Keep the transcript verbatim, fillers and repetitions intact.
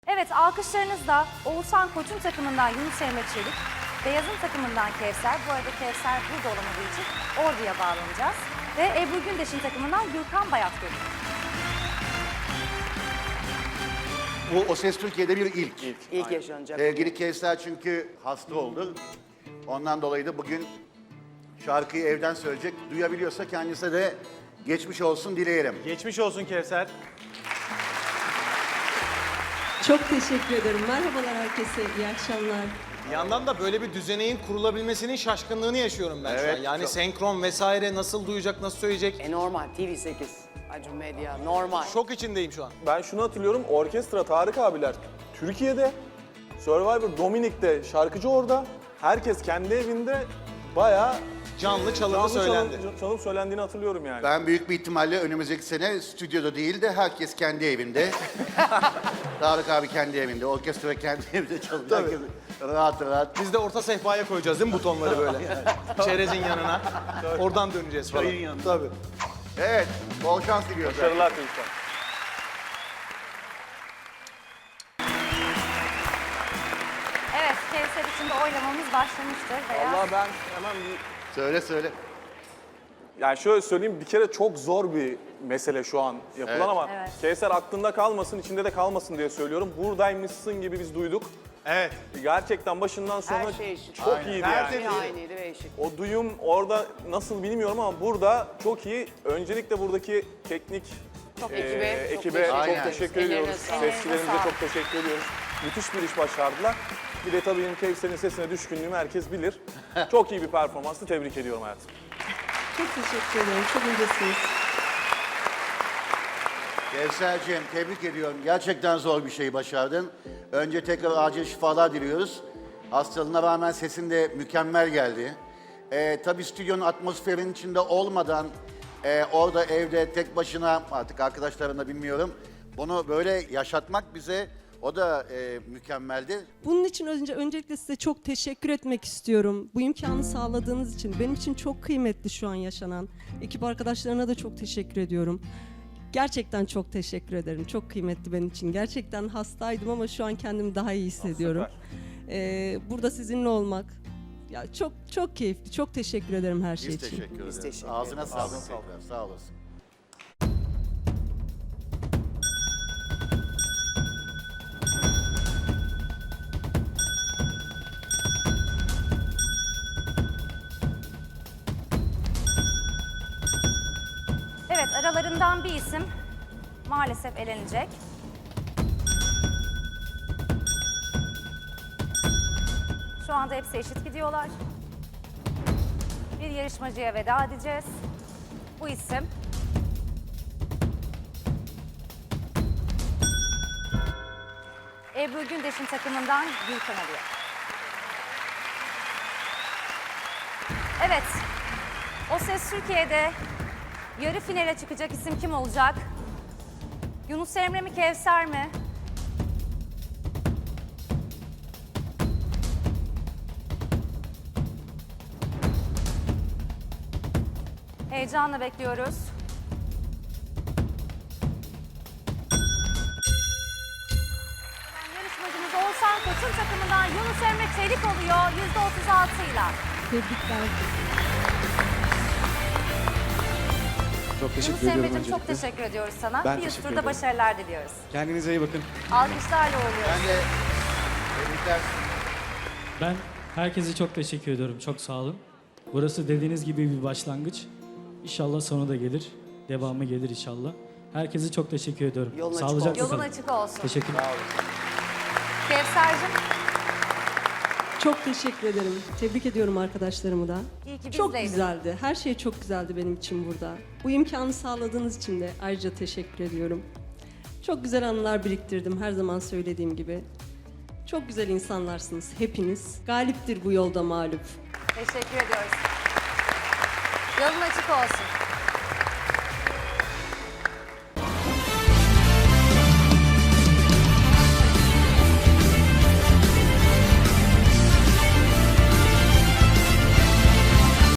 Evet, alkışlarınızla Oğuzhan Koç'un takımından Yunus Emre Çelik, Beyaz'ın takımından Kevser, bu arada Kevser burada olamadığı için Ordu'ya bağlanacağız. Ve Ebru Gündeş'in takımından Gürkan Bayat geliyor. Bu O Ses Türkiye'de bir ilk. İlk, ilk yaşanacak. Sevgili Kevser çünkü hasta oldu. Ondan dolayı da bugün şarkıyı evden söyleyecek. Duyabiliyorsa kendisine de geçmiş olsun dileyelim. Geçmiş olsun Kevser. Çok teşekkür ederim. Merhabalar herkese, iyi akşamlar. Bir yandan da böyle bir düzeneğin kurulabilmesinin şaşkınlığını yaşıyorum ben şu Evet, an. Yani çok. senkron vesaire nasıl duyacak, nasıl söyleyecek? E normal, T V sekiz, Acun Medya, normal. Şok içindeyim şu an. Ben şunu hatırlıyorum, orkestra Tarık abiler Türkiye'de, Survivor Dominik'te şarkıcı orada. Herkes kendi evinde bayağı Canlı çalımı canlı söylendi. çalım, çalım söylendiğini hatırlıyorum yani. Ben büyük bir ihtimalle önümüzdeki sene stüdyoda değil de herkes kendi evinde. Tarık abi kendi evinde, orkestra kendi evinde çalacak. Herkes rahat rahat. Biz de orta sehpaya koyacağız değil mi butonları böyle? Çerezin yanına. Oradan döneceğiz falan. Çayın yanına. Tabii. Evet, bol şans diliyoruz. Başarılar çocuklar. Evet, Kevser için de oylamamız başlamıştır. Beyaz. Vallahi ben hemen bir... Söyle söyle. Yani şöyle söyleyeyim, bir kere çok zor bir mesele şu an yapılan Evet. ama Evet. Kevser aklında kalmasın, içinde de kalmasın diye söylüyorum. Buradaymışsın gibi biz duyduk. Evet. Gerçekten başından sonra Her şey eşit. çok Aynen. iyiydi Her yani. şey aynıydı ve eşit. O duyum orada nasıl bilmiyorum ama burada çok iyi. Öncelikle buradaki teknik Çok e, ekibe, çok ekibe teşekkür çok ederiz. teşekkür Ellerine ediyoruz. sağlık. Sesçilerimize Ellerine çok teşekkür ediyoruz. Müthiş bir iş başardılar. Bir de tabii benim Kevser'in sesine düşkünlüğümü herkes bilir. Çok iyi bir performanstı. Tebrik ediyorum hayatım. Çok teşekkür ederim, çok incesiniz. Kevserciğim tebrik ediyorum. Gerçekten zor bir şey başardın. Önce tekrar acil şifalar diliyoruz. Hastalığına rağmen sesin de mükemmel geldi. Ee, tabii stüdyonun atmosferinin içinde olmadan e, orada evde tek başına artık arkadaşlarımla bilmiyorum. Bunu böyle yaşatmak bize o da e, mükemmeldi. Bunun için önce öncelikle size çok teşekkür etmek istiyorum. Bu imkanı sağladığınız için. Benim için çok kıymetli şu an yaşanan. Ekip arkadaşlarına da çok teşekkür ediyorum. Gerçekten çok teşekkür ederim. Çok kıymetli benim için. Gerçekten hastaydım ama şu an kendimi daha iyi hissediyorum. Ee, burada sizinle olmak ya çok çok keyifli. Çok teşekkür ederim her şey Biz için. teşekkür ederiz. teşekkür Ağzına ederiz. sağlık tekrar. Sağ olasın. Evet, aralarından bir isim maalesef elenecek. Şu anda hepsi eşit gidiyorlar. Bir yarışmacıya veda edeceğiz. Bu isim Ebru Gündeş'in takımından Gülkan alıyor. Evet, O Ses Türkiye'de yarı finale çıkacak isim kim olacak? Yunus Emre mi, Kevser mi? Heyecanla bekliyoruz. Yarışmacımız Oğuzhan Koç'un takımından Yunus Emre Çelik oluyor yüzde otuz altı ile. Tebrikler. Çok Yunus teşekkür ediyorum Emre'cim çok öncelikle. teşekkür ediyoruz sana. Ben Bir üst teşekkür turda ederim. başarılar diliyoruz. Kendinize iyi bakın. Alkışlarla uğurluyoruz. Ben de tebrikler. Ben herkese çok teşekkür ediyorum. Çok sağ olun. Burası dediğiniz gibi bir başlangıç. İnşallah sonu da gelir. Devamı gelir inşallah. Herkese çok teşekkür ediyorum. Yolun açık Sağlıcakla Yolun kalın. açık olsun. Teşekkürler. Kevser'cim Çok teşekkür ederim. Tebrik ediyorum arkadaşlarımı da. iyi ki Çok bizdeydin. güzeldi. Her şey çok güzeldi benim için burada. Bu imkanı sağladığınız için de ayrıca teşekkür ediyorum. Çok güzel anılar biriktirdim her zaman söylediğim gibi. Çok güzel insanlarsınız hepiniz. Galiptir bu yolda mağlup. Teşekkür ediyoruz. Yolun açık olsun.